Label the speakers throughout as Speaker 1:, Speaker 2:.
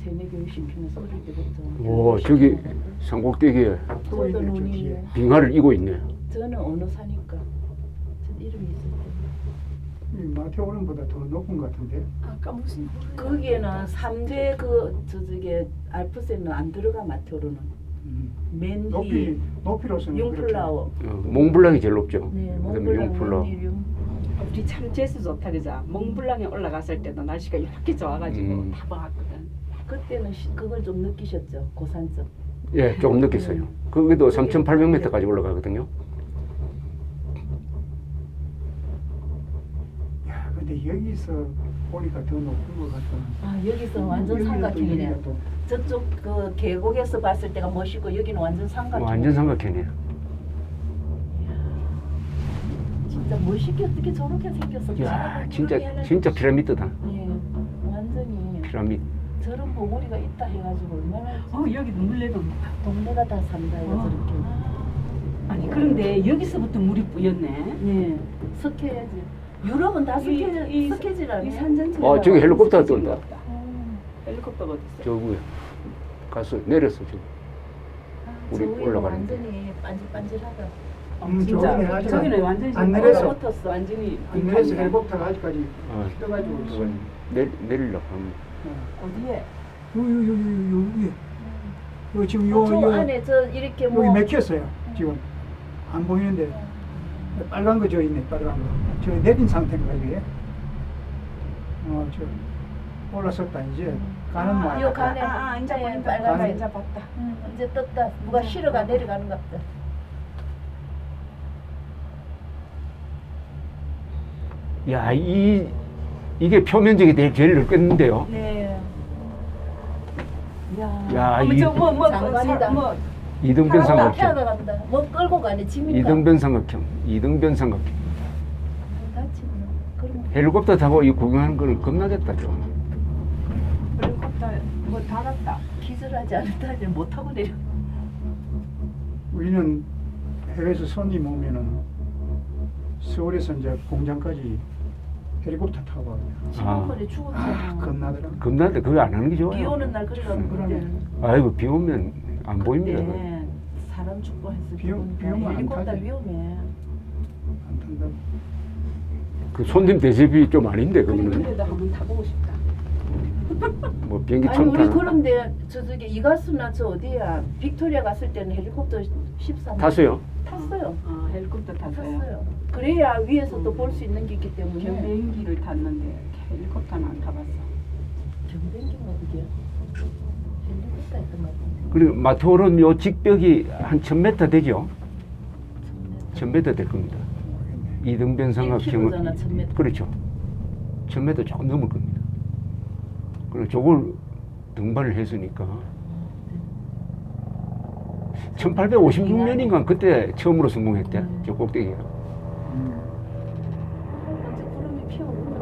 Speaker 1: 대내 교육시키면서 어릴 때부터.
Speaker 2: 오, 저기 산꼭대기에
Speaker 1: 저도 눈이.
Speaker 2: 빙하를 이고 있네.
Speaker 1: 저는 어느 사니까. 저 이름이 있을 때.
Speaker 3: 이 마테오른보다 더 높은 것 같은데.
Speaker 4: 아까 무슨
Speaker 1: 거기에는 3대 저게 알프스에는 안 들어가 마테오르는. 맨히,
Speaker 3: 높이로서는
Speaker 1: 융플라워.
Speaker 2: 몽블랑이 제일 높죠.
Speaker 1: 네,
Speaker 2: 그다음에
Speaker 1: 몽블랑,
Speaker 2: 융플라워.
Speaker 1: 맨히,
Speaker 4: 우리 참 재수 좋다 그자. 몽블랑에 올라갔을 때도 날씨가 이렇게 좋아가지고 다 봤거든.
Speaker 1: 그때는 그걸 좀 느끼셨죠? 고산점.
Speaker 2: 예, 조금 느꼈어요. 거기도 3,800m까지 올라가거든요.
Speaker 3: 야, 근데 여기서 보니까 더 높은 것 같다.
Speaker 1: 아, 여기서 완전 삼각형이네. 저쪽 그 계곡에서 봤을 때가 멋있고 여기는 완전 삼각형.
Speaker 2: 완전 삼각형이에요.
Speaker 1: 진짜 멋있게 어떻게 저렇게 생겼어?
Speaker 2: 야, 진짜 피라미드다.
Speaker 1: 예, 완전히
Speaker 2: 피라미드.
Speaker 1: 저런 보고리가 있다 해가지고 얼마나.
Speaker 4: 여기 물레도
Speaker 1: 동네가 다 산다 이거 저렇게.
Speaker 4: 아니 그런데 여기서부터 물이 뿌였네.
Speaker 1: 예, 석회지. 유럽은 다 석회질 아니에요?
Speaker 4: 산전체.
Speaker 2: 저기 헬리콥터가 쏜다.
Speaker 4: 헬리콥터가 어디 있어?
Speaker 2: 저기 가서 내렸어 지금. 우리
Speaker 1: 저기
Speaker 2: 올라가는데.
Speaker 1: 완전히 반질반질하다.
Speaker 4: 진짜 저기는 완전히
Speaker 3: 안 내려서
Speaker 1: 붙었어.
Speaker 4: 완전히
Speaker 3: 안 내려서 헬리콥터가 아직까지 떠가지고 있어.
Speaker 2: 그건 내리려고 합니다.
Speaker 1: 어디에?
Speaker 3: 요 지금
Speaker 1: 저 안에 저 이렇게 뭐
Speaker 3: 여기 맥혔어요. 지금 안 보이는데 빨간 거 저 있네. 빨간 거. 저 내린 상태인가 이게? 저 올라섰다 이제 가는 모양.
Speaker 1: 요 간에
Speaker 4: 이제 보인다.
Speaker 1: 빨간
Speaker 4: 이제 봤다.
Speaker 1: 이제 떴다. 누가 실어가 내려가는 것 같다.
Speaker 2: 야, 이게 표면적이 제일 넓겠는데요.
Speaker 1: 네.
Speaker 2: 야,
Speaker 1: 장관이다.
Speaker 2: 이등변 삼각형.
Speaker 1: 태아가 간다. 뭐 끌고 가네 짐인가?
Speaker 2: 이등변 삼각형. 이등변 삼각형.
Speaker 1: 다치면 그럼
Speaker 2: 헬리콥터 타고 이 구경하는 거는 겁나겠다 좀.
Speaker 4: 헬리콥터 뭐 닫았다.
Speaker 1: 기절하지 않았다. 못 타고 내려.
Speaker 3: 우리는 해외에서 손님 오면은 서울에서 이제 공장까지 헬리콥터 타고 와요.
Speaker 1: 지난번에 죽었잖아.
Speaker 3: 겁나더라.
Speaker 2: 겁나는데 그거 안 하는 게 좋아요.
Speaker 1: 비 오는 날 그래가지고 그때.
Speaker 2: 아이고 비 오면 안 보입니다.
Speaker 1: 네. 사람 죽고 했을
Speaker 3: 비 오면 안
Speaker 1: 헬리콥터
Speaker 3: 타지.
Speaker 1: 위험해.
Speaker 3: 안 탄다.
Speaker 2: 그 손님 대접이 좀 아닌데 그거는.
Speaker 4: 그래도 한번 타보고 싶다.
Speaker 2: 뭐 비행기
Speaker 1: 아니
Speaker 2: 처음
Speaker 1: 우리
Speaker 2: 타는.
Speaker 1: 그런데 저기 이가수나 저 어디야 빅토리아 갔을 때는 헬리콥터 13번
Speaker 2: 탔어요?
Speaker 1: 탔어요.
Speaker 4: 헬리콥터 탔어요.
Speaker 1: 탔어요. 그래야 위에서 또 볼 수 있는 게 있기 때문에.
Speaker 4: 경비행기를 탔는데 헬리콥터는 안 타봤어.
Speaker 1: 경비행기가 그게 헬리콥터 했던 것 같은데.
Speaker 2: 그리고 마테오른 요 직벽이 한 1000m 되죠? 1000m 될 겁니다. 이등변 삼각형은
Speaker 1: 1km잖아, 1000m.
Speaker 2: 그렇죠. 1000m 조금 넘을 겁니다. 그리고 저걸 등반을 했으니까 1856년인가 그때 처음으로 성공했대. 저 꼭대기가.
Speaker 1: 언제 구름이 피어오르나?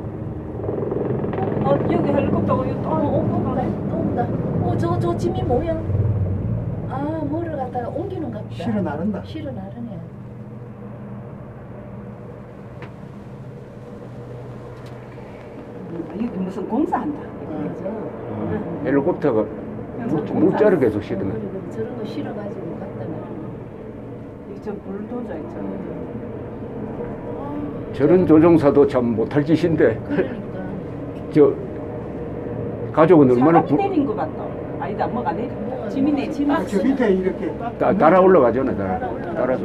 Speaker 4: 여기 헬리콥터가 여기 또
Speaker 1: 온다. 저 짐이 뭐야? 아, 뭐를 갖다가 옮기는 것 같다.
Speaker 3: 실어 나른다.
Speaker 1: 실어 나르네.
Speaker 4: 여기 무슨 공사한다.
Speaker 2: 헬리콥터가 물자를 계속 실으네.
Speaker 1: 그래, 저런 거 실어가지고 갖다 놔.
Speaker 4: 여기 저 불도저 있잖아.
Speaker 2: 저런 조종사도 참 못할 짓인데
Speaker 1: 그러니까.
Speaker 2: 저 가족은 얼마나
Speaker 4: 사람이 내린 것 같다. 아니다, 뭐가 내린 거. 짐이 내 짐.
Speaker 3: 저 밑에 이렇게
Speaker 2: 따라 올라가잖아. 따라서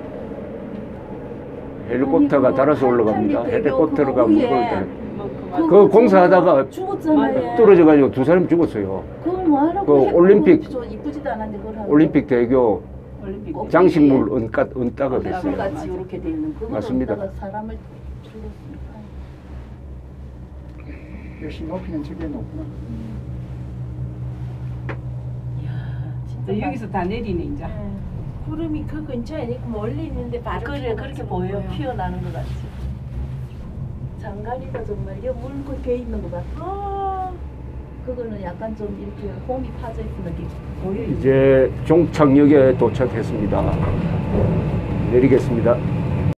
Speaker 2: 헬리콥터가 따라서 올라갑니다. 헬리콥터가 무거울 그 공사하다가
Speaker 1: 죽었잖아요.
Speaker 2: 떨어져가지고 두 사람 죽었어요.
Speaker 1: 그걸 뭐하라고?
Speaker 2: 그 올림픽
Speaker 1: 저 이쁘지도 않은데 그걸 하고.
Speaker 2: 올림픽 대교
Speaker 4: 올림픽.
Speaker 2: 장식물 은따가 됐어요.
Speaker 1: 같이 이렇게 돼 있는 그거
Speaker 2: 맞습니다.
Speaker 1: 사람을 죽였으니까.
Speaker 3: 역시 높이는 저게 높구나.
Speaker 1: 이야, 진짜
Speaker 4: 여기서 다 내리네 이제.
Speaker 1: 구름이 그 근처에 있고 멀리 있는데 바로 그렇게 보여. 피어나는 것 같지. 장관이가 정말 이 물고 배 있는 것 같아. 그거는 약간 좀 이렇게 홈이 파져 있는 느낌 보여.
Speaker 2: 이제 종착역에 도착했습니다. 내리겠습니다.